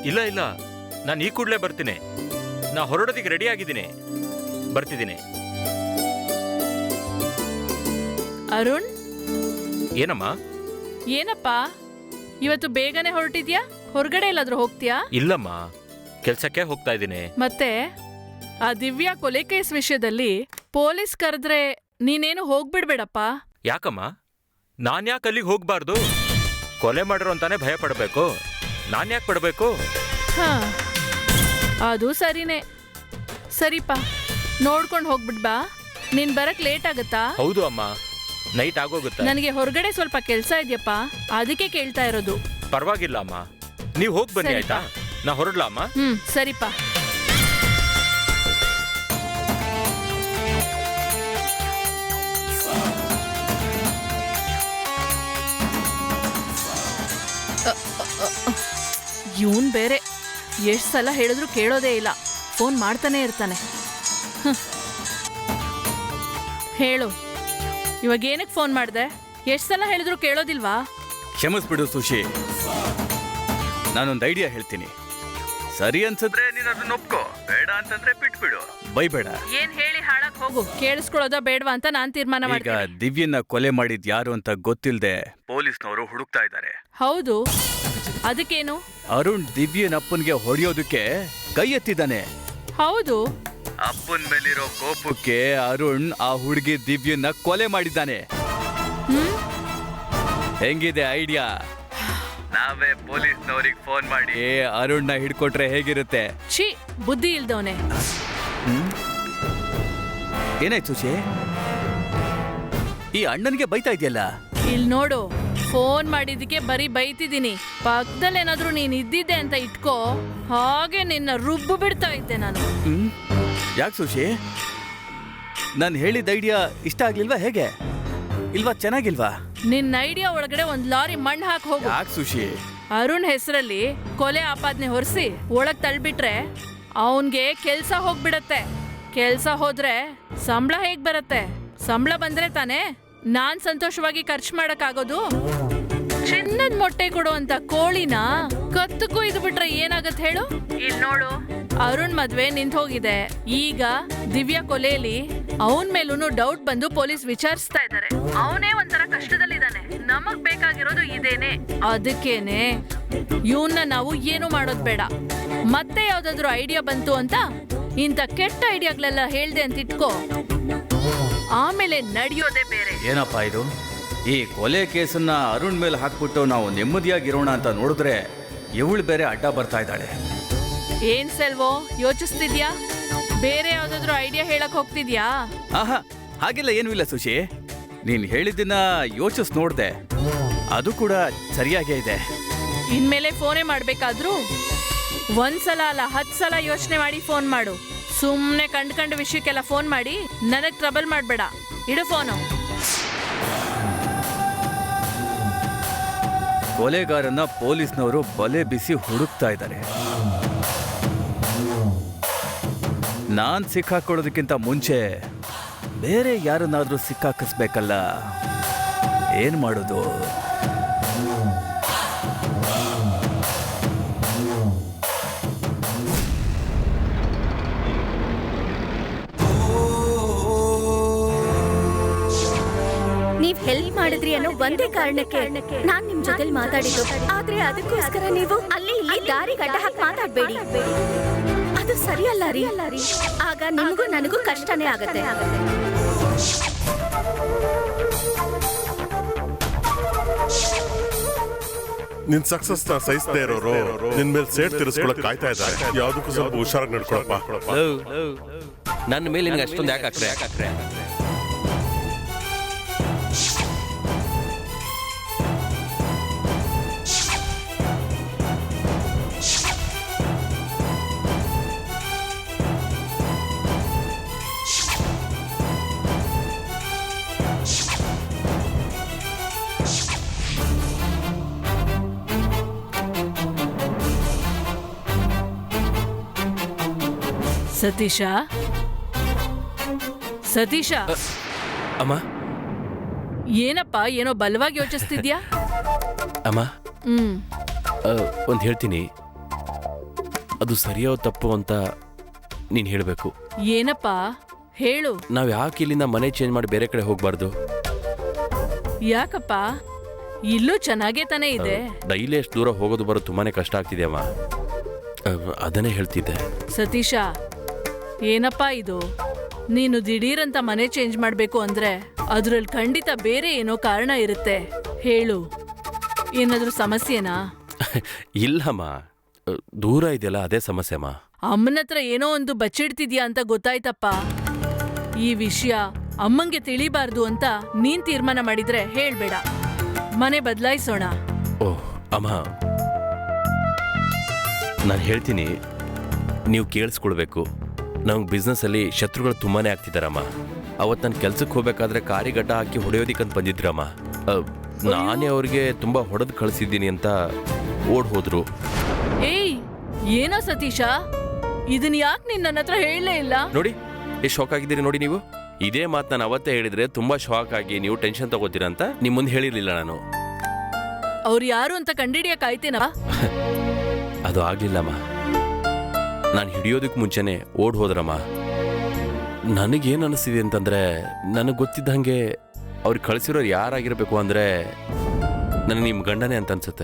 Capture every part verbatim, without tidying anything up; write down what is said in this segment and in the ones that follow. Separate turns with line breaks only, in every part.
ಇಲ್ಲ ಇಲ್ಲ, ನಾನು ಈ ಕೂಡಲೇ ಬರ್ತೀನಿ. ನಾ ಹೊರಡೋದಿಕ್ಕೆ ರೆಡಿ ಆಗಿದ್ದೀನಿ, ಬರ್ತಿದ್ದೀನಿ.
ಅರುಣ್,
ಏನಮ್ಮ?
ಏನಪ್ಪ ಇವತ್ತು ಬೇಗನೆ ಹೊರಟಿದ್ಯಾ? ಹೊರಗಡೆ ಎಲ್ಲಾದ್ರೂ ಹೋಗ್ತೀಯಾ?
ಇಲ್ಲಮ್ಮ, ಕೆಲ್ಸಕ್ಕೆ ಹೋಗ್ತಾ ಇದ್ದೀನಿ.
ಮತ್ತೆ ಆ ದಿವ್ಯಾ ಕೊಲೆ ಕೇಸ್ ವಿಷಯದಲ್ಲಿ ಪೊಲೀಸ್ ಕರೆದ್ರೆ ನೀನೇನು ಹೋಗ್ಬಿಡ್ಬೇಡಪ್ಪ.
ಯಾಕಮ್ಮ? ನಾನ್ ಯಾಕೆ ಅಲ್ಲಿಗೆ ಹೋಗ್ಬಾರ್ದು? ಕೊಲೆ ಮಾಡಿರೋ ಅಂತಾನೆ ಭಯ ಪಡಬೇಕು, ನಾನ್ ಯಾಕೆ ಪಡಬೇಕು?
ಹಾ, ಅದು ಸರಿನೇ. ಸರಿಪಾ, ನೋಡ್ಕೊಂಡು ಹೋಗ್ಬಿಡ್ಬಾ. ನೀನ್ ಬರಕ್ ಲೇಟ್ ಆಗತ್ತಾ?
ಹೌದು ಅಮ್ಮ, ನೈಟ್ ಆಗೋಗುತ್ತೆ.
ನನಗೆ ಹೊರಗಡೆ ಸ್ವಲ್ಪ ಕೆಲ್ಸ ಇದೆಯಪ್ಪ, ಅದಕ್ಕೆ ಕೇಳ್ತಾ ಇರೋದು.
ಪರವಾಗಿಲ್ಲ ಅಮ್ಮ, ನೀವು ಹೋಗಿ ಬನ್ನಿ. ಆಯ್ತಾ? ನಾ ಹೊರಡ್ಲಾ ಅಮ್ಮ?
ಹ್ಮ್, ಸರಿಪಾ. ಇವನ್ ಬೇರೆ ಎಷ್ಟ್ ಸಲ ಹೇಳಿದ್ರು ಕೇಳೋದೇ ಇಲ್ಲ, ಫೋನ್ ಮಾಡ್ತಾನೆ ಇರ್ತಾನೆ. ಹೇಳು, ಇವಾಗ ಏನಕ್ಕೆ ಫೋನ್ ಮಾಡ್ದೆ? ಎಷ್ಟ್ ಸಲ ಹೇಳಿದ್ರು ಕೇಳೋದಿಲ್ವಾ?
ಕ್ಷಮಿಸ್ಬಿಡು ಸುಶಿ, ನಾನೊಂದು ಐಡಿಯಾ ಹೇಳ್ತೀನಿ. ಸರಿ ಅನ್ಸಿದ್ರೆ ನೀನು ಅದನ್ನ ಒಪ್ಕೋ, ಬೇಡ ಅಂತಂದ್ರೆ ಬಿಟ್ಬಿಡು, ಬೈಬೇಡ.
ಏನ್ ಹೇಳಿ ಹಾಳಾಗ್ ಹೋಗು, ಕೇಳಿಸ್ಕೊಳ್ಳೋದಾ ಬೇಡವಾ ಅಂತ ನಾನ್ ತೀರ್ಮಾನ
ಈಗ
ಮಾಡ್ತೀನಿ.
ದಿವ್ಯನ್ನ ಕೊಲೆ ಮಾಡಿದ್ ಯಾರು ಅಂತ ಗೊತ್ತಿಲ್ಲದೆ ಪೊಲೀಸ್ನವರು ಹುಡುಕ್ತಾ ಇದ್ದಾರೆ.
ಹೌದು, ಅದಕ್ಕೇನು?
ಅರುಣ್ ದಿವ್ಯನ ಅಪ್ಪನ್ಗೆ ಹೊಡೆಯೋದಕ್ಕೆ ಕೈ ಎತ್ತಿದ್ದಾನೆ.
ಹೌದು,
ಅಪ್ಪನ್ ಮೇಲಿರೋ ಕೋಪಕ್ಕೆ ಅರುಣ್ ಆ ಹುಡುಗಿ ದಿವ್ಯನ್ನ ಕೊಲೆ ಮಾಡಿದ್ದಾನೆ.
ಹ್ಮ್,
ಹೆಂಗಿದೆ ಐಡಿಯಾ? ನಾವೇ ಪೊಲೀಸ್ನವ್ರಿಗೆ ಫೋನ್ ಮಾಡಿ ಅರುಣ್ನ ಹಿಡ್ಕೊಟ್ರೆ ಹೇಗಿರುತ್ತೆ?
ಛೀ, ಬುದ್ಧಿ ಇಲ್ದವನೆ.
ಏನಾಯ್ತು ಸುಶಿ? ಈ ಅಣ್ಣನ್ಗೆ ಬೈತಾ ಇದೆಯಲ್ಲ?
ಇಲ್ ನೋಡು, ಫೋನ್ ಮಾಡಿದ್ದಕ್ಕೆ ಬರೀ ಬೈತಿದ್ದೀನಿ. ಪಕ್ಕದಲ್ಲಿ ಏನಾದ್ರೂ ನೀನ್ ಇದ್ದಿದ್ದೆ ಅಂತ ಇಟ್ಕೋ, ಹಾಗೆ ನಿನ್ನ ರುಬ್ಬು ಬಿಡ್ತಾ ಇದ್ದೆ ನಾನು.
ಹ್ಮ್, ಯಾಕೆ ಸುಶಿ? ನಾನು ಹೇಳಿದ ಐಡಿಯಾ ಇಷ್ಟ ಆಗ್ಲಿಲ್ವಾ ಹೇಗೆ? ಇಲ್ವಾ ಚೆನ್ನಾಗಿಲ್ವಾ?
ನಿನ್ನ ಐಡಿಯಾ ಒಳಗಡೆ ಒಂದ್ ಲಾರಿ ಮಣ್ಣು ಹಾಕಿ ಹೋಗು.
ಯಾಕೆ ಸುಶಿ?
ಅರುಣ್ ಹೆಸರಲ್ಲಿ ಕೊಲೆ ಆಪಾದನೆ ಹೊರಿಸಿ ಒಳಗ್ ತಳ್ಬಿಟ್ರೆ ಅವನ್ಗೆ ಕೆಲ್ಸ ಹೋಗ್ಬಿಡತ್ತೆ. ಕೆಲ್ಸ ಹೋದ್ರೆ ಸಂಬಳ ಹೇಗ್ ಬರತ್ತೆ? ಸಂಬಳ ಬಂದ್ರೆ ತಾನೇ ನಾನ್ ಸಂತೋಷವಾಗಿ ಖರ್ಚು ಮಾಡಕ್ ಆಗೋದು. ಚಿನ್ನದ ಮೊಟ್ಟೆ ಕೊಡುವಂತ ಕೋಳಿನ ಕತ್ತು ಕೊಯ್ದು ಬಿಟ್ರೆ ಏನಾಗತ್ ಹೇಳು? ಇಲ್ ನೋಡು, ಅರುಣ್ ಮದ್ವೆ ನಿಂತ ಹೋಗಿದೆ. ಈಗ ದಿವ್ಯಾ ಕೊಲೆಯಲ್ಲಿ ಅವನ್ ಮೇಲೂನು ಡೌಟ್ ಬಂದು ಪೊಲೀಸ್ ವಿಚಾರಿಸ್ತಾ ಇದ್ದಾರೆ. ಅವನೇ ಒಂಥರ ಕಷ್ಟದಲ್ಲಿದ್ದಾನೆ. ನಮಗ್ ಬೇಕಾಗಿರೋದು ಇದೇನೆ. ಅದಕ್ಕೇನೆ ಇವನ್ನ ನಾವು ಏನು ಮಾಡೋದ್ ಬೇಡ. ಮತ್ತೆ ಯಾವ್ದಾದ್ರು ಐಡಿಯಾ ಬಂತು ಅಂತ ಇಂಥ ಕೆಟ್ಟ ಐಡಿಯಾಗಳೆಲ್ಲ ಹೇಳ್ದೆ ಅಂತ ಇಟ್ಕೋ, ಆಮೇಲೆ ನಡೆಯೋದೇ ಬೇರೆ.
ಏನಪ್ಪ ಇದು? ಈ ಕೊಲೆ ಕೇಸನ್ನ ಅರುಣ್ ಮೇಲೆ ಹಾಕ್ಬಿಟ್ಟು ನಾವು ನೆಮ್ಮದಿಯಾಗಿರೋಣ ಅಂತ ನೋಡಿದ್ರೆ ಇವಳು ಬೇರೆ ಅಡ್ಡ ಬರ್ತಾ ಇದ್ದಾಳೆ.
ಏನ್ ಸೆಲ್ವೋ, ಯೋಚಿಸ್ತಿದ್ಯಾ? ಬೇರೆ ಯಾವ್ದಾದ್ರು ಐಡಿಯಾ ಹೇಳಕ್ ಹೋಗ್ತಿದ್ಯಾ?
ಆಹಾ, ಹಾಗೆಲ್ಲ ಏನೂ ಇಲ್ಲ ಸುಶಿ. ನೀನ್ ಹೇಳಿದ್ದನ್ನ ಯೋಚಿಸ್ ನೋಡ್ದೆ, ಅದು ಕೂಡ ಸರಿಯಾಗೇ ಇದೆ.
ಇನ್ಮೇಲೆ ಫೋನೇ ಮಾಡ್ಬೇಕಾದ್ರೂ ಒಂದ್ಸಲ ಅಲ್ಲ ಹತ್ ಸಲ ಯೋಚನೆ ಮಾಡಿ ಫೋನ್ ಮಾಡು. ಸುಮ್ನೆ ಕಂಡ್ ಕಂಡ ವಿಷಯಕ್ಕೆಲ್ಲ ಫೋನ್ ಮಾಡಿ ನನಗ್ ಟ್ರಬಲ್ ಮಾಡ್ಬೇಡ. ಇಡು ಫೋನು.
ಕೊಲೆಗಾರನ್ನ ಪೊಲೀಸ್ನವರು ಬಲೆ ಬಿಸಿ ಹುಡುಕ್ತಾ ಇದ್ದಾರೆ. ನಾನ್ ಸಿಕ್ಕಾಕೊಳ್ಳೋದಕ್ಕಿಂತ ಮುಂಚೆ ಬೇರೆ ಯಾರನ್ನಾದ್ರೂ ಸಿಕ್ಕಾಕಿಸ್ಬೇಕಲ್ಲ. ಏನ್ ಮಾಡೋದು?
ನೀವ್ ಹೆಲ್ಪ್ ಮಾಡಿದ್ರಿ ಅನ್ನೋ ಒಂದೇ ಕಾರಣಕ್ಕೆ ನಾನ್ ನಿಮ್ ಜೊತೆ ಮಾತಾಡಿದ್ದು. ಆದ್ರೆ ಅದಕ್ಕೋಸ್ಕರ ನೀವು ಅಲ್ಲಿ ಇಲ್ಲಿ ದಾರಿ ಗಡ್ಡ ಹಾಕಿ ಮಾತಾಡ್ಬೇಡಿ. ಅದು ಸರಿಯಲ್ಲ ರೀ. ಆಗ ನಿಮ್ಗೂ ನನಗೂ ಕಷ್ಟನೇ ಆಗತ್ತೆ.
ನಿನ್ ಸಕ್ಸಸ್ ನ ಸಹಿಸದೇ ಇರೋರು ನಿನ್ ಮೇಲೆ ಸೇಡ್ ತಿರ್ಸ್ಕೊಳಕ್ ಕಾಯ್ತಾ ಇದ್ದಾರೆ. ಯಾವ್ದಕ್ಕೂ ಸ್ವಲ್ಪ ಹುಷಾರಾಗಿ ನಡ್ಕೊಳಪ್ಪ.
ನನ್ನ ಮೇಲೆ ನಿನ್ಗೆ ಅಷ್ಟೊಂದು ಯಾಕೆ ಹಾಕ್ರೆ ಯಾಕೆ
ಸತೀಶ, ಸತೀಶ,
ಅಮ್ಮ.
ಏನಪ್ಪ ಏನೋ ಬಲವಾಗಿ ಯೋಚಿಸ್ತಿದ್ಯಾ?
ಅಮ್ಮ,
ಹ್ಮ್
ಒಂದು ಹೇಳ್ತೀನಿ. ಅದು ಸರಿಯೋ ತಪ್ಪು ಅಂತ ನೀನು ಹೇಳಬೇಕು.
ಏನಪ್ಪ ಹೇಳು.
ನಾವು ಯಾಕೆ ಇಲ್ಲಿಂದ ಮನೆ ಚೇಂಜ್ ಮಾಡಿ ಬೇರೆ ಕಡೆ ಹೋಗಬಾರ್ದು?
ಯಾಕಪ್ಪ, ಇಲ್ಲೂ ಚೆನ್ನಾಗೇ ತಾನೇ ಇದೆ.
ಡೈಲಿ ಎಷ್ಟು ದೂರ ಹೋಗೋದು ಬರೋದು ತುಂಬಾನೇ ಕಷ್ಟ ಆಗ್ತಿದೆ ಅಮ್ಮ. ಅಹ್, ಅದನ್ನೇ ಹೇಳ್ತಿದ್ದೆ.
ಸತೀಶ, ಏನಪ್ಪ ಇದು? ನೀನು ದಿಢೀರಂತ ಮನೆ ಚೇಂಜ್ ಮಾಡ್ಬೇಕು ಅಂದ್ರೆ ಅದ್ರಲ್ಲಿ ಖಂಡಿತ ಬೇರೆ ಏನೋ ಕಾರಣ ಇರುತ್ತೆ. ಹೇಳು, ಏನಾದ್ರೂ ಸಮಸ್ಯೆನಾ?
ಇಲ್ಲಮ್ಮ, ಅಹ್, ದೂರ ಇದೆಯಲ್ಲ ಅದೇ ಸಮಸ್ಯೆ ಅಮ್ಮ.
ಅಮ್ಮನ ಹತ್ರ ಏನೋ ಒಂದು ಬಚ್ಚಿಡ್ತಿದ್ಯಾ ಅಂತ ಗೊತ್ತಾಯ್ತಪ್ಪ. ಈ ವಿಷಯ ಅಮ್ಮಂಗೆ ತಿಳಿಬಾರ್ದು ಅಂತ ನೀನ್ ತೀರ್ಮಾನ ಮಾಡಿದ್ರೆ ಹೇಳ್ಬೇಡ, ಮನೆ ಬದಲಾಯಿಸೋಣ.
ಓಹ್ ಅಮ್ಮ, ನಾನು ಹೇಳ್ತೀನಿ, ನೀವು ಕೇಳಿಸ್ಕೊಳ್ಬೇಕು. ನಮ್ಗೆ ಬಿಸ್ನೆಸ್ಸಲ್ಲಿ ಶತ್ರುಗಳು ತುಂಬಾನೇ ಆಗ್ತಿದ್ದಾರಮ್ಮ. ಅವತ್ತು ನಾನು ಕೆಲ್ಸಕ್ಕೆ ಹೋಗ್ಬೇಕಾದ್ರೆ ಕಾರಿ ಗಡ್ಡ ಹಾಕಿ ಹೊಡೆಯೋದಿಕ್ಕಂತ ಬಂದಿದ್ರಮ್ಮ. ಅಹ್, ನಾನೇ ಅವ್ರಿಗೆ ತುಂಬ ಹೊಡೆದು ಕಳಿಸಿದ್ದೀನಿ ಅಂತ ಓಡ್ ಹೋದ್ರು.
ಏಯ್, ಏನೋ ಸತೀಶ, ಇದನ್ ಯಾಕೆ ನೀನ್ ನನ್ನ ಹತ್ರ ಹೇಳಲೇ ಇಲ್ಲ?
ನೋಡಿ ಎಷ್ಟು ಶಾಕ್ ಆಗಿದ್ದೀರಿ ನೋಡಿ ನೀವು. ಇದೇ ಮಾತು ನಾನು ಅವತ್ತೇ ಹೇಳಿದ್ರೆ ತುಂಬಾ ಶಾಕ್ ಆಗಿ ನೀವು ಟೆನ್ಷನ್ ತಗೋತೀರಾ ಅಂತ ನಿಮ್ಮ ಮುಂದೆ ಹೇಳಿರ್ಲಿಲ್ಲ ನಾನು.
ಅವ್ರು ಯಾರು ಅಂತ ಕಂಡಿಡಿಯಕ್ ಆಯ್ತೇನಾ?
ಅದು ಆಗ್ಲಿಲ್ಲಮ್ಮ. ನಾನು ಹಿಡಿಯೋದಕ್ಕೆ ಮುಂಚೆನೆ ಓಡ್ ಹೋದ್ರಮ್ಮ. ನನಗೇನು ಅನಿಸ್ತಿದೆ ಅಂತಂದ್ರೆ, ನನಗೆ ಗೊತ್ತಿದ್ದಂಗೆ ಅವ್ರಿಗೆ ಕಳಿಸಿರೋರು ಯಾರಾಗಿರ್ಬೇಕು ಅಂದ್ರೆ ನನಗೆ ನಿಮ್ಮ ಗಂಡನೇ ಅಂತ ಅನ್ಸುತ್ತೆ.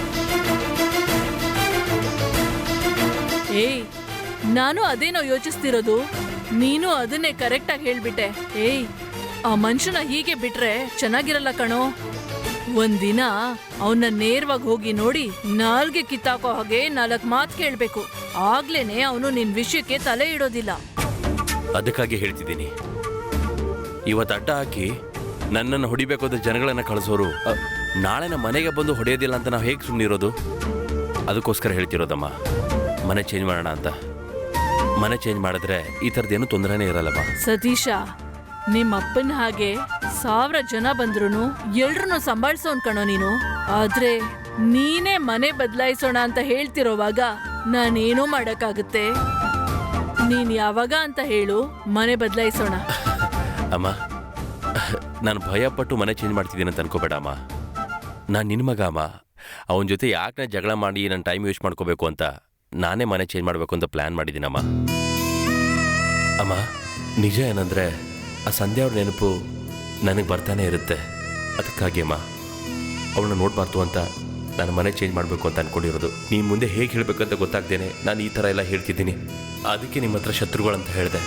ಏಯ್, ನಾನು ಅದೇನೋ ಯೋಚಿಸ್ತಿರೋದು, ನೀನು ಅದನ್ನೇ ಕರೆಕ್ಟ್ ಆಗಿ ಹೇಳ್ಬಿಟ್ಟೆ. ಏಯ್, ಆ ಮನುಷ್ಯನ ಹೀಗೆ ಬಿಟ್ರೆ ಚೆನ್ನಾಗಿರಲ್ಲ ಕಣೋ. ಒಂದಿನ ಅವನ್ನ ನೇರವಾಗಿ ಹೋಗಿ ನೋಡಿ ನಾಲ್ಗೆ ಕಿತ್ತಾಕೋ ಹಾಗೆ ನಾಲ್ಕು ಮಾತು ಕೇಳ್ಬೇಕು. ಆಗ್ಲೇನೆ ಅವನು ನಿನ್ ವಿಷಯಕ್ಕೆ ತಲೆ ಇಡೋದಿಲ್ಲ.
ಅದಕ್ಕಾಗಿ ಹೇಳ್ತಿದ್ದೀನಿ, ಇವತ್ತು ಅಡ್ಡ ಹಾಕಿ ನನ್ನನ್ನು ಹೊಡಿಬೇಕು ಅಂತ ಜನಗಳನ್ನ ಕಳಿಸೋರು ಅ, ನಾಳೆ ನಮ್ಮ ಮನೆಗೆ ಬಂದು ಹೊಡೆಯೋದಿಲ್ಲ ಅಂತ ನಾವು ಹೇಗೆ ಸುಮ್ಮನಿರೋದು? ಅದಕ್ಕೋಸ್ಕರ ಹೇಳ್ತಿರೋದಮ್ಮ, ಮನೆ ಚೇಂಜ್ ಮಾಡೋಣ ಅಂತ. ಮನೆ ಚೇಂಜ್ ಮಾಡಿದ್ರೆ ಈ ಥರದ್ದೇನು ತೊಂದರೆನೇ ಇರಲ್ಲಮ್ಮ.
ಸತೀಶ, ನಿಮ್ಮ ಅಪ್ಪನ ಹಾಗೆ ಸಾವಿರ ಜನ ಬಂದ್ರು ಎಲ್ರನ್ನೂ ಸಂಭಾಳಿಸೋನ್ ಕಣೋ ನೀನು. ಆದ್ರೆ ನೀನೇ ಮನೆ ಬದಲಾಯಿಸೋಣ ಅಂತ ಹೇಳ್ತಿರೋವಾಗ ನಾನೇನೋ ಮಾಡಕ್ಕಾಗುತ್ತೆ? ನೀನ್ ಯಾವಾಗ ಅಂತ ಹೇಳು, ಮನೆ ಬದಲಾಯಿಸೋಣ.
ಅಮ್ಮ, ನಾನು ಭಯಪಟ್ಟು ಮನೆ ಚೇಂಜ್ ಮಾಡ್ತಿದ್ದೀನಿ ಅಂತ ಅನ್ಕೋಬೇಡ ಅಮ್ಮ. ನಾನು ನಿನ್ನ ಮಗ ಅಮ್ಮ. ಅವನ ಜೊತೆ ಯಾಕೆ ನಾನು ಜಗಳ ಮಾಡಿ ನನ್ನ ಟೈಮ್ ವೇಸ್ಟ್ ಮಾಡ್ಕೋಬೇಕು ಅಂತ ನಾನೇ ಮನೆ ಚೇಂಜ್ ಮಾಡಬೇಕು ಅಂತ ಪ್ಲ್ಯಾನ್ ಮಾಡಿದ್ದೀನಮ್ಮ. ಅಮ್ಮ, ನಿಜ ಏನಂದರೆ ಆ ಸಂಧ್ಯಾ ಅವ್ರ ನೆನಪು ನನಗೆ ಬರ್ತಾನೆ ಇರುತ್ತೆ. ಅದಕ್ಕಾಗಿ ಅಮ್ಮ, ಅವಳನ್ನ ನೋಡಬಾರ್ದು ಅಂತ ನಾನು ಮನೆ ಚೇಂಜ್ ಮಾಡಬೇಕು ಅಂತ ಅಂದ್ಕೊಂಡಿರೋದು. ನೀನು ಮುಂದೆ ಹೇಗೆ ಹೇಳಬೇಕಂತ ಗೊತ್ತಾಗ್ದೇನೆ ನಾನು ಈ ಥರ ಎಲ್ಲ ಹೇಳ್ತಿದ್ದೀನಿ. ಅದಕ್ಕೆ ನಿಮ್ಮ ಹತ್ರ ಶತ್ರುಗಳಂತ ಹೇಳಿದೆ.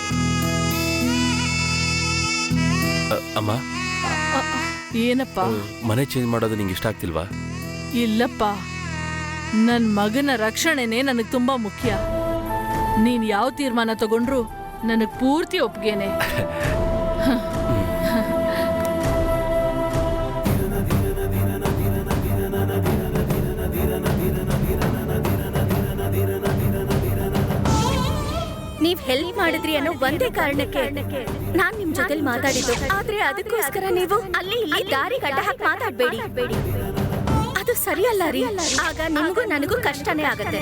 ಅಮ್ಮ,
ಏನಪ್ಪ?
ಮನೆ ಚೇಂಜ್ ಮಾಡೋದು ನಿಂಗೆ ಇಷ್ಟ ಆಗ್ತಿಲ್ವಾ?
ಇಲ್ಲಪ್ಪ, ನನ್ ಮಗನ ರಕ್ಷಣೆನೇ ನನಗ್ ತುಂಬಾ ಮುಖ್ಯ. ನೀನ್ ಯಾವ ತೀರ್ಮಾನ ತಗೊಂಡ್ರು ನನಗ್ ಪೂರ್ತಿ ಒಪ್ಗೆನೆ.
ನೀವ್ ಹೆಲ್ಪ್ ಮಾಡಿದ್ರಿ ಅನ್ನೋ ಒಂದೇ ಕಾರಣಕ್ಕೆ ನಾನ್ ನಿಮ್ ಜೊತೆಲಿ ಮಾತಾಡಿದ್ದು. ಆದ್ರೆ ಅದಕ್ಕೋಸ್ಕರ ನೀವು ಅಲ್ಲಿ ಇಲ್ಲಿ ದಾರಿ ಗಡ್ಡ ಹಾಕಿ ಮಾತಾಡ್ಬೇಡಿ. ಅದು ಸರಿಯಲ್ಲ ರೀ. ಆಗ ನಿಮಗೂ ನನಗೂ ಕಷ್ಟನೇ ಆಗತ್ತೆ.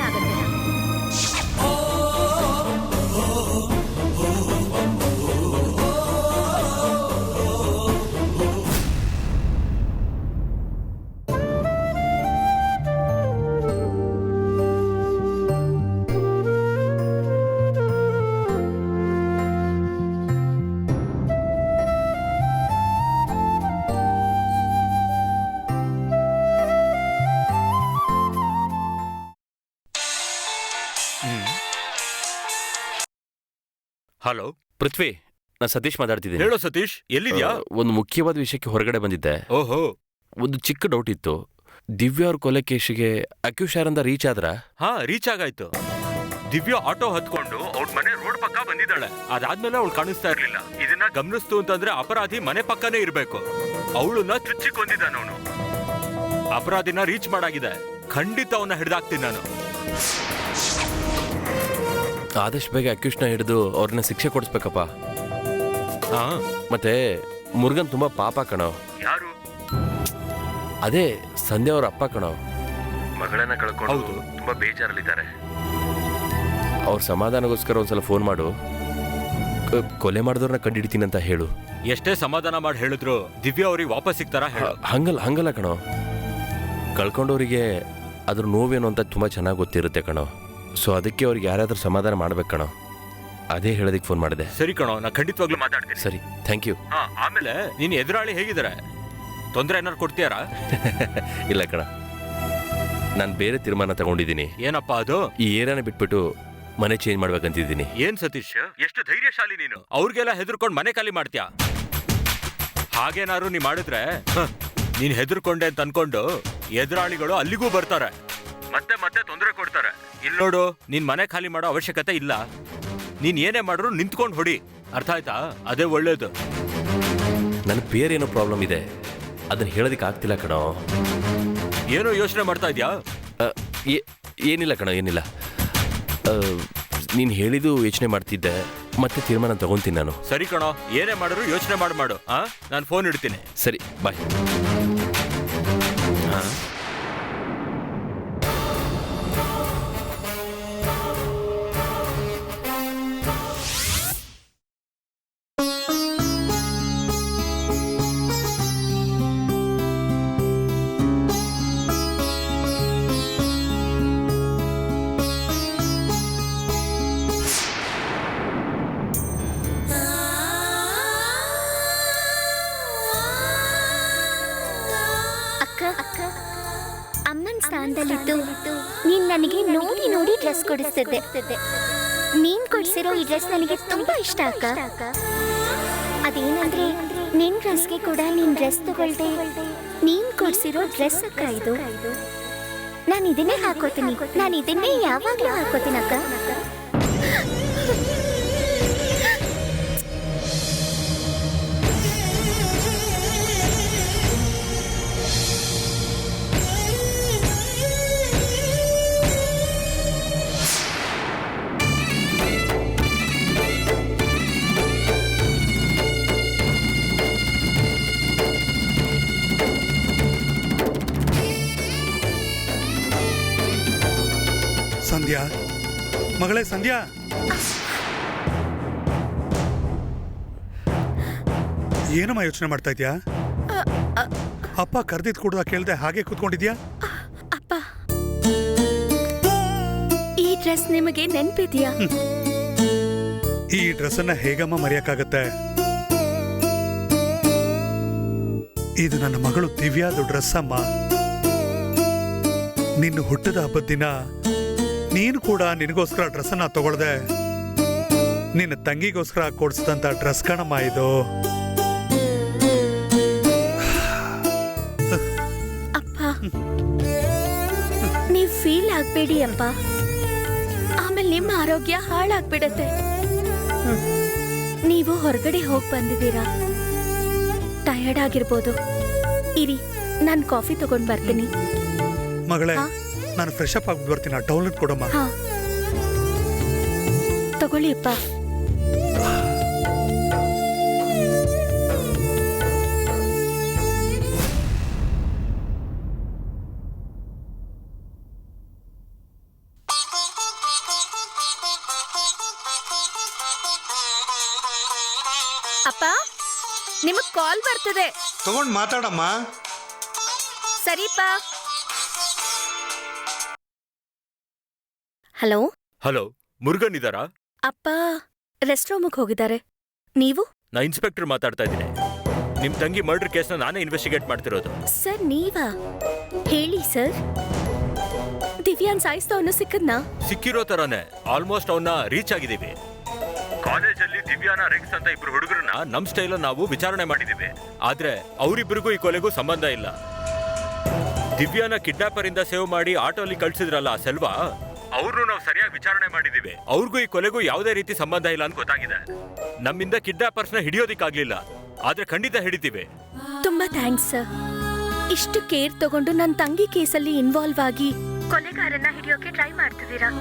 ಹಲೋ
ಪೃಥ್ವಿ, ನಾನು ಸತೀಶ್ ಮಾತಾಡ್ತಿದ್ದೀನಿ.
ಹೇಳೋ ಸತೀಶ್, ಎಲ್ಲಿದ್ಯಾ?
ಆ, ಒಂದು ಮುಖ್ಯವಾದ ವಿಷಯಕ್ಕೆ ಹೊರಗಡೆ ಬಂದಿದ್ದೆ.
ಓಹೋ,
ಒಂದು ಚಿಕ್ಕ ಡೌಟ್ ಇತ್ತು. ದಿವ್ಯಾ ಅವ್ರ ಕೊಲೆ ಕೇಸಿಗೆ ಅಕ್ಯೂಷರಿಂದ ರೀಚ್ ಆದ್ರ?
ಹಾ, ರೀಚ್ ಆಗಾಯ್ತು. ದಿವ್ಯಾ ಆಟೋ ಹತ್ಕೊಂಡು ಅವ್ರ ಮನೆ ರೋಡ್ ಪಕ್ಕ ಬಂದಿದ್ದಾಳೆ. ಅದಾದ್ಮೇಲೆ ಅವಳು ಕಾಣಿಸ್ತಾ ಇರ್ಲಿಲ್ಲ. ಇದನ್ನ ಗಮನಿಸ್ತು ಅಂತಂದ್ರೆ ಅಪರಾಧಿ ಮನೆ ಪಕ್ಕನೇ ಇರ್ಬೇಕು. ಅವಳನ್ನ ಚುಚ್ಚಿಕೊಂಡಿದ್ದಾನ ಅವನು. ಅಪರಾಧಿನ ರೀಚ್ ಮಾಡಾಗಿದೆ. ಖಂಡಿತ ಅವನ್ನ ಹಿಡ್ದಾಕ್ತೀನಿ ನಾನು.
ಆದಷ್ಟು ಬೇಗ ಅಕ್ಯೂಷ್ನ ಹಿಡಿದು ಅವ್ರನ್ನ ಶಿಕ್ಷೆ ಕೊಡಿಸ್ಬೇಕಪ್ಪ.
ಹಾ,
ಮತ್ತೆ ಮುರುಗನ್ ತುಂಬಾ ಪಾಪ ಕಣೋ.
ಯಾರು?
ಅದೇ ಸಂಧ್ಯಾ ಅವ್ರ ಅಪ್ಪ ಕಣೋ.
ಮಗಳನ್ನ ಕಳ್ಕೊಂಡು
ಹೌದು.
ತುಂಬಾ ಬೇಜಾರಲ್ಲಿದ್ದಾರೆ.
ಅವ್ರ ಸಮಾಧಾನಗೋಸ್ಕರ ಒಂದ್ಸಲ ಫೋನ್ ಮಾಡು. ಕ- ಕೊಲೆ ಮಾಡಿದವ್ರನ್ನ ಕಂಡಿಡ್ತೀನಿ ಅಂತ ಹೇಳು.
ಎಷ್ಟೇ ಸಮಾಧಾನ ಮಾಡಿ ಹೇಳಿದ್ರು ದಿವ್ಯಾ ಅವ್ರಿಗೆ ವಾಪಸ್ ಸಿಗ್ತಾರ ಹೇಳು.
ಹಂಗಲ್ಲ ಹಂಗಲ್ಲ ಕಣೋ. ಕಳ್ಕೊಂಡವರಿಗೆ ಅದ್ರ ನೋವೇನು ಅಂತ ತುಂಬಾ ಚೆನ್ನಾಗಿ ಗೊತ್ತಿರುತ್ತೆ ಕಣೋ. ಸೊ ಅದಕ್ಕೆ ಅವ್ರಿಗೆ ಯಾರಾದರೂ ಸಮಾಧಾನ ಮಾಡ್ಬೇಕು ಕಣೋ, ಅದೇ ಹೇಳೋದಕ್ಕೆ ಫೋನ್ ಮಾಡಿದೆ.
ಸರಿ ಕಣೋ, ನಾ ಖಂಡಿತವಾಗ್ಲೂ ಮಾತಾಡ್ತೀನಿ.
ಸರಿ, ಥ್ಯಾಂಕ್ ಯು.
ಹಾ, ಆಮೇಲೆ ನೀನ್ ಎದುರಾಳಿ ಹೇಗಿದ್ದಾರೆ? ತೊಂದರೆ ಏನಾರು ಕೊಡ್ತೀಯಾರಾ?
ಇಲ್ಲ ಕಣ, ನಾನು ಬೇರೆ ತೀರ್ಮಾನ ತಗೊಂಡಿದ್ದೀನಿ.
ಏನಪ್ಪಾ ಅದು?
ಈ ಏರಿಯಾನ ಬಿಟ್ಬಿಟ್ಟು ಮನೆ ಚೇಂಜ್ ಮಾಡ್ಬೇಕಂತಿದ್ದೀನಿ.
ಏನ್ ಸತೀಶ್, ಎಷ್ಟು ಧೈರ್ಯಶಾಲಿ ನೀನು. ಅವ್ರಿಗೆಲ್ಲ ಹೆದರ್ಕೊಂಡು ಮನೆ ಖಾಲಿ ಮಾಡ್ತೀಯಾ? ಹಾಗೇನಾದ್ರು ನೀ ಮಾಡಿದ್ರೆ ಹ, ನೀನ್ ಹೆದರ್ಕೊಂಡೆ ಅಂತ ಅನ್ಕೊಂಡು ಎದುರಾಳಿಗಳು ಅಲ್ಲಿಗೂ ಬರ್ತಾರೆ, ಮತ್ತೆ ಮತ್ತೆ ತೊಂದರೆ ಕೊಡ್ತಾರೆ. ಇಲ್ಲಿ ನೋಡು, ನೀನ್ ಮನೆ ಖಾಲಿ ಮಾಡೋ ಅವಶ್ಯಕತೆ ಇಲ್ಲ. ನೀನ್ ಏನೇ ಮಾಡ್ರು ನಿಂತ್ಕೊಂಡು ಹೊಡಿ, ಅರ್ಥ ಆಯ್ತಾ? ಅದೇ ಒಳ್ಳೇದು.
ನನಗೆ ಬೇರೆ ಏನೋ ಪ್ರಾಬ್ಲಮ್ ಇದೆ, ಅದನ್ನ ಹೇಳೋದಕ್ಕೆ ಆಗ್ತಿಲ್ಲ ಕಣೋ.
ಏನೋ ಯೋಚನೆ ಮಾಡ್ತಾ ಇದ್ಯಾ?
ಅ, ಏ- ಏನಿಲ್ಲ ಕಣೋ, ಏನಿಲ್ಲ. ನೀನು ಹೇಳಿದ್ದು ಯೋಚನೆ ಮಾಡ್ತಿದ್ದೆ, ಮತ್ತೆ ತೀರ್ಮಾನ ತಗೊಂತೀನಿ ನಾನು.
ಸರಿ ಕಣೋ, ಏನೇ ಮಾಡಿದ್ರು ಯೋಚನೆ ಮಾಡಿ ಮಾಡು. ಆ ನಾನು ಫೋನ್ ಇಡ್ತೀನಿ.
ಸರಿ, ಬಾಯ್.
ಅಕ್ಕ ಅಕ್ಕ ಅಮ್ಮನ ಸ್ಥಾನದಲ್ಲಿದ್ದು ನೀನ್ ನನಗೆ ನೋಡಿ ನೋಡಿ ಡ್ರೆಸ್ ಕೊಡಿಸ್ತಿದ್ದೆ. ನೀನ್ ಕೊಡ್ಸಿರೋ ಈ ಡ್ರೆಸ್ ನನಗೆ ತುಂಬಾ ಇಷ್ಟ ಅಕ್ಕ. ಅದೇನಂದ್ರೆ ನಿನ್ ಡ್ರೆಸ್ಗೆ ಕೂಡ ನೀನ್ ಡ್ರೆಸ್ ತಗೊಳ್ದೆ, ನೀನ್ ಕೊಡ್ಸಿರೋ ಡ್ರೆಸ್ ಅಕ್ಕ ಇದು. ನಾನು ಇದನ್ನೇ ಹಾಕೋತೀನಿ, ನಾನು ಇದನ್ನೇ ಯಾವಾಗ್ಲೂ ಹಾಕೋತೀನಿ ಅಕ್ಕ.
ಸಂಧ್ಯಾ, ಮಗಳೇ ಸಂಧ್ಯಾ, ಏನಮ್ಮ ಯೋಚನೆ ಮಾಡ್ತಾ ಇದ್ಯಾ? ಅಪ್ಪ ಕರೆದಿದ್ ಕೂಡ ಕೇಳ್ದೆ ಹಾಗೆ ಕೂತ್ಕೊಂಡಿದ್ಯಾ?
ಅಪ್ಪ, ಈ ಡ್ರೆಸ್ ನಿಮಗೆ ನೆನ್ಪಿದ್ಯಾ?
ಈ ಡ್ರೆಸ್ ಅನ್ನ ಹೇಗಮ್ಮ ಮರೆಯಕ್ಕಾಗತ್ತೆ? ಇದು ನನ್ನ ಮಗಳು ದಿವ್ಯಾದ ಡ್ರೆಸ್ ಅಮ್ಮ. ನಿನ್ನ ಹುಟ್ಟದ ಹಬ್ಬದ ದಿನ ನೀನು ಕೂಡ ನಿನಗೋಸ್ಕರ ಡ್ರೆಸ್ ಅನ್ನ ತಗೊಳ್ದೆ, ನಿನ್ನ ತಂಗಿಗೋಸ್ಕರ ಕೊಡ್ಸಿದಂತ ಡ್ರೆಸ್ ಕಣಮ್ಮ ಇದು.
ಅಪ್ಪ, ನೀವ್ ಫೀಲ್ ಆಗ್ಬೇಡಿ ಅಪ್ಪ, ಆಮೇಲೆ ನಿಮ್ಮ ಆರೋಗ್ಯ ಹಾಳಾಗ್ಬಿಡತ್ತೆ. ನೀವು ಹೊರಗಡೆ ಹೋಗಿ ಬಂದಿದ್ದೀರಾ, ಟಯರ್ಡ್ ಆಗಿರ್ಬೋದು. ಇರಿ, ನಾನು ಕಾಫಿ ತಗೊಂಡ್ ಬರ್ತೀನಿ.
ಮಗಳೇ,
ಹಾ?
ನಾನು ಫ್ರೆಶ್ ಅಪ್ ಆಗ್ಬಿಟ್ಟು ಬರ್ತೀನಿ. ಟೌನ್ ಕೊಡಮ್ಮ.
ಹಾ, ತಗೊಳ್ಳಿ ಅಪ್ಪ. ಅಪ್ಪ, ನಿಮಗ್ ಕಾಲ್ ಬರ್ತದೆ,
ತಗೊಂಡ್ ಮಾತಾಡಮ್ಮ.
ಸರಿಪಾ. ಹಲೋ
ಹಲೋ, ಮುರುಗನ್ ಇದ್ದಾರಾ?
ಅಪ್ಪ ರೆಸ್ಟ್ ರೂಮಿಗೆ ಹೋಗಿದ್ದಾರೆ. ನೀವು?
ನಾ ಇನ್ಸ್ಪೆಕ್ಟರ್ ಮಾತಾಡ್ತಾ ಇದ್ದೀನಿ. ನಿಮ್ ತಂಗಿ ಮರ್ಡರ್ ಕೇಸ್ನ ನಾನೇ ಇನ್ವೆಸ್ಟಿಗೇಟ್ ಮಾಡ್ತಿರೋದು.
ಸರ್ ನೀವಾ? ಹೇಳಿ ಸರ್. ದಿವ್ಯಾನ್ ಸಾಯಿಸ್ತವನು ಸಿಕ್ಕದ್ನಾ?
ಸಿಕ್ಕಿರೋ ತರಾನೇ ಆಲ್ಮೋಸ್ಟ್ ಅವನ್ನ ರೀಚ್ ಆಗಿದ್ದೀವಿ. ಕಾಲೇಜಲ್ಲಿ ದಿವ್ಯಾನ ರೆಕ್ಸ್ ಅಂತ ಇಬ್ರು ಹುಡುಗರನ್ನ ನಮ್ ಸ್ಟೈಲ್ ನಾವು ವಿಚಾರಣೆ ಮಾಡಿದೀವಿ. ಆದ್ರೆ ಅವರಿಬ್ಬರಿಗೂ ಈ ಕೊಲೆಗೂ ಸಂಬಂಧ ಇಲ್ಲ. ದಿವ್ಯಾನ ಕಿಡ್ನಾಪರ್ ಇಂದ ಸೇವ್ ಮಾಡಿ ಆಟೋಲಿ ಕಳ್ಸಿದ್ರಲ್ಲ ಆ ಸೆಲ್ವಾ, ಅವ್ರನ್ನು ನಾವು ಸರಿಯಾಗಿ ವಿಚಾರಣೆ ಮಾಡಿದೀವಿ. ಅವ್ರಿಗೂ ಈ ಕೊಲೆಗೂ ಯಾವುದೇ ರೀತಿ ಸಂಬಂಧ ಇಲ್ಲ ಅಂತ ಗೊತ್ತಾಗಿದೆ. ನಮ್ಮಿಂದ ಕಿಡ್ನಾಪರ್ಸ್ ನ ಹಿಡಿಯೋದಿಕ್ಕಾಗ್ಲಿಲ್ಲ, ಆದ್ರೆ ಖಂಡಿತ ಹಿಡಿತೀವಿ.
ತುಂಬಾ ಥ್ಯಾಂಕ್ಸ್ ಸರ್. ಇಷ್ಟು ಕೇರ್ ತಗೊಂಡು ನನ್ನ ತಂಗಿ ಕೇಸಲ್ಲಿ ಇನ್ವಾಲ್ವ್ ಆಗಿ ಕೊಲೆಗಾರನ್ನ ಹಿಡಿಯೋಕೆ ಟ್ರೈ ಮಾಡ್ತಿದ್ದೀರಾ.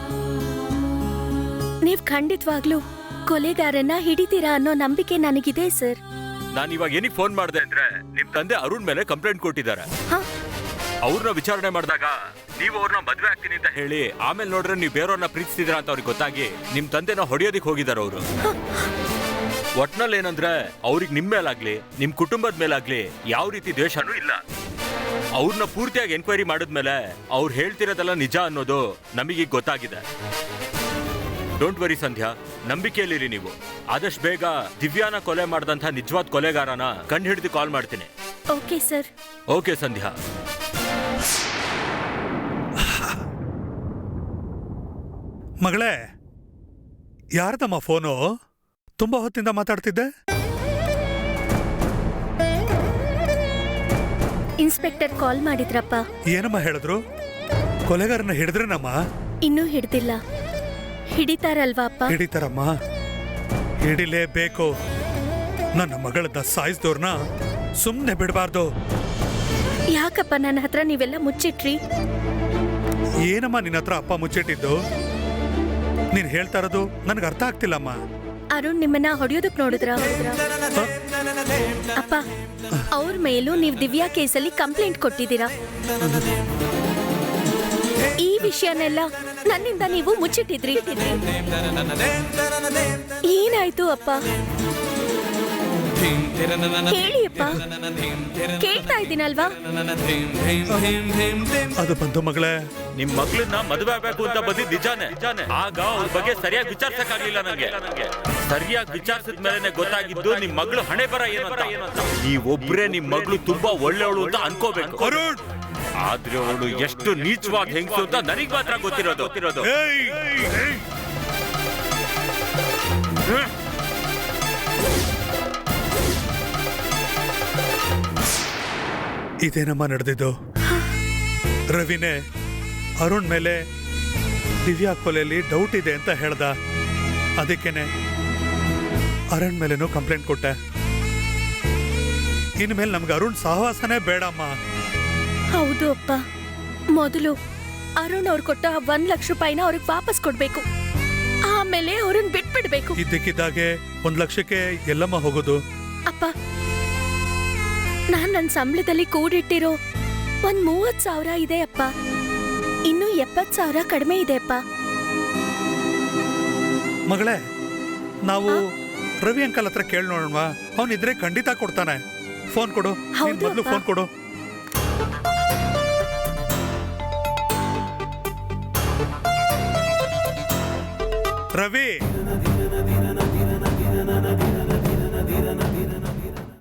ನೀವ್ ಖಂಡಿತವಾಗ್ಲೂ ಕೊಲೆಗಾರನ್ನ ಹಿಡಿತೀರಾ ಅನ್ನೋ ನಂಬಿಕೆ ನನಗಿದೆ ಸರ್.
ನಾನು ಇವಾಗ ಏನಿಗೆ ಫೋನ್ ಮಾಡಿದೆ ಅಂದ್ರೆ, ನಿಮ್ ತಂದೆ ಅರುಣ್ ಮೇಲೆ ಕಂಪ್ಲೇಂಟ್ ಕೊಟ್ಟಿದ್ದಾರೆ.
ಹಾ?
ಅವ್ರನ್ನ ವಿಚಾರಣೆ ಮಾಡಿದಾಗ ನೀವು ಅವ್ರನ್ನ ಮದ್ವೆ ಆಗ್ತೀನಿ ಅಂತ ಹೇಳಿ ಆಮೇಲೆ ನೋಡ್ರೆ ನೀವು ಬೇರೆಯವ್ರನ್ನ ಪ್ರೀತಿಸಿದ್ರ ಅಂತ ಅವ್ರಿಗೆ ಗೊತ್ತಾಗಿ ನಿಮ್ ತಂದೆನ ಹೊಡೆಯೋದಿಕ್ ಹೋಗಿದಾರ ಅವರು. ಒಟ್ನಲ್ಲಿ ಏನಂದ್ರೆ ಅವ್ರಿಗೆ ನಿಮ್ ಮೇಲಾಗ್ಲಿ ನಿಮ್ ಕುಟುಂಬದ ಮೇಲಾಗ್ಲಿ ಯಾವ ರೀತಿ ದ್ವೇಷನೂ ಇಲ್ಲ. ಅವ್ರನ್ನ ಪೂರ್ತಿಯಾಗಿ ಎನ್ಕ್ವೈರಿ ಮಾಡಿದ್ಮೇಲೆ ಅವ್ರು ಹೇಳ್ತಿರೋದೆಲ್ಲ ನಿಜ ಅನ್ನೋದು ನಮಗೀಗ ಗೊತ್ತಾಗಿದೆ. ಡೋಂಟ್ ವರಿ ಸಂಧ್ಯಾ, ನಂಬಿಕೆಯಲ್ಲಿರಿ ನೀವು. ಆದಷ್ಟು ಬೇಗ ದಿವ್ಯಾನ ಕೊಲೆ ಮಾಡಿದಂಥ ನಿಜವಾದ ಕೊಲೆಗಾರನ ಕಂಡು ಹಿಡಿದು ಕಾಲ್ ಮಾಡ್ತೀನಿ.
Okay sir.
ಓಕೆ ಸಂಧ್ಯಾ.
ಮಗಳೇ, ಯಾರ್ದಮ್ಮ ಫೋನು? ತುಂಬಾ ಹೊತ್ತಿಂದ ಮಾತಾಡ್ತಿದ್ದೆ.
ಇನ್ಸ್ಪೆಕ್ಟರ್ ಕಾಲ್ ಮಾಡಿದ್ರಪ್ಪ.
ಏನಮ್ಮ ಹೇಳಿದ್ರು? ಕೊಲೆಗಾರನ ಹಿಡಿದ್ರೇನಮ್ಮ?
ಇನ್ನೂ ಹಿಡ್ದಿಲ್ಲ. ಹಿಡಿತಾರಲ್ವಾ ಅಪ್ಪ?
ಹಿಡಿತಾರಮ್ಮ, ಹಿಡಿಲೇಬೇಕು. ನನ್ನ ಮಗಳನ್ನ ಸಾಯಿಸಿದವ್ರನ್ನ ಸುಮ್ಮನೆ ಬಿಡಬಾರ್ದು.
ಯಾಕಪ್ಪ ನನ್ನ ಹತ್ರ ನೀವೆಲ್ಲ ಮುಚ್ಚಿಟ್ರಿ?
ಏನಮ್ಮ ನಿನ್ನ ಹತ್ರ ಅಪ್ಪ ಮುಚ್ಚಿಟ್ಟಿದ್ದು? ನೀನ್ ಹೇಳ್ತಾ ಇರೋದು ನನಗೆ ಅರ್ಥ ಆಗ್ತಿಲ್ಲಮ್ಮ.
ಅರುಣ್ ನಿಮ್ಮನ್ನ ಹೊಡೆಯೋದಕ್ ನೋಡಿದ್ರ? ಅಪ್ಪ, ಅವ್ರ ಮೇಲೂ ನೀವು ದಿವ್ಯಾ ಕೇಸಲ್ಲಿ ಕಂಪ್ಲೇಂಟ್ ಕೊಟ್ಟಿದ್ದೀರಾ. ಈ ವಿಷಯನೆಲ್ಲ ನನ್ನಿಂದ ನೀವು ಮುಚ್ಚಿಟ್ಟಿದ್ರಿ. ಏನಾಯ್ತು ಅಪ್ಪ? ಹೇಳಿ ಅಪ್ಪ, ಕೇಳ್ತಾ ಇದ್ದೀನಲ್ವಾ?
ಅದು ಬಂತು ಮಗಳೇ.
ನಿಮ್ ಮಗಳನ್ನ ಮದುವೆ ಆಗ್ಬೇಕು ಅಂತ ಬಂದಿದ್ ನಿಜಾನೆ. ಆಗ ಅವ್ರ ಬಗ್ಗೆ ಸರಿಯಾಗಿ ವಿಚಾರಿಸಕ್ಕಾಗ್ಲಿಲ್ಲ ನಂಗೆ. ಸರಿಯಾಗಿ ವಿಚಾರಿಸಿದ ಮೇಲೆ ಗೊತ್ತಾಗಿದ್ದು ನಿಮ್ ಮಗಳು ಹಣೆ ಬರ ಏನು ಅಂತ. ನೀವೊಬ್ರೇ ನಿಮ್ ಮಗಳು ತುಂಬಾ ಒಳ್ಳೆಯವಳು ಅಂತ ಅನ್ಕೋಬೇಕು. ಆದ್ರೆ ಅವಳು ಎಷ್ಟು ನೀಚವಾದ ಹೆಂಗಸು ಅಂತ ನನಗ್ ಮಾತ್ರ ಗೊತ್ತಿರೋದು ಗೊತ್ತಿರೋದು
ಇದೇನಮ್ಮ ನಡೆದಿದ್ದು? ರವಿನೇ ಅರುಣ್ ಮೇಲೆ ದಿವ್ಯಾ ಕೊಲೆಯಲ್ಲಿ ಡೌಟ್ ಇದೆ ಅಂತ ಹೇಳ್ದ. ಅದಕ್ಕೇನೆ ಅರುಣ್ ಮೇಲೇನೂ ಕಂಪ್ಲೇಂಟ್ ಕೊಟ್ಟೆ. ಇನ್ಮೇಲೆ ನಮ್ಗೆ ಅರುಣ್ ಸಹವಾಸನೇ ಬೇಡಮ್ಮ.
ಹೌದು ಅಪ್ಪ. ಮೊದಲು ಅರುಣ್ ಅವ್ರು ಕೊಟ್ಟ ಒಂದ್ ಲಕ್ಷ ರೂಪಾಯಿನ ಅವ್ರಿಗೆ ವಾಪಸ್ ಕೊಡ್ಬೇಕು. ಆಮೇಲೆ ಅವ್ರನ್ನ ಬಿಟ್ಬಿಡ್ಬೇಕು.
ಇದ್ದಕ್ಕಿದ್ದಾಗೆ ಒಂದ್ ಲಕ್ಷಕ್ಕೆ ಎಲ್ಲಮ್ಮ ಹೋಗೋದು?
ಅಪ್ಪ, ನಾನ್ ನನ್ನ ಸಂಬಳದಲ್ಲಿ ಕೂಡಿಟ್ಟಿರೋ ಒಂದ್ ಮೂವತ್ ಸಾವಿರ ಇದೆ ಅಪ್ಪ. ಇನ್ನು ಎಪ್ಪತ್ ಸಾವಿರ ಕಡಿಮೆ ಇದೆ ಅಪ್ಪ.
ಮಗಳೇ, ನಾವು ರವಿ ಅಂಕಲ್ ಹತ್ರ ಕೇಳಿ ನೋಡೋಣ. ಅವನಿದ್ರೆ ಖಂಡಿತ ಕೊಡ್ತಾನೆ. ಫೋನ್ ಕೊಡು.
ಹೌದು
ಮೊದಲು
ಅಪ್ಪ.
ಫೋನ್ ಕೊಡು. ರವಿ,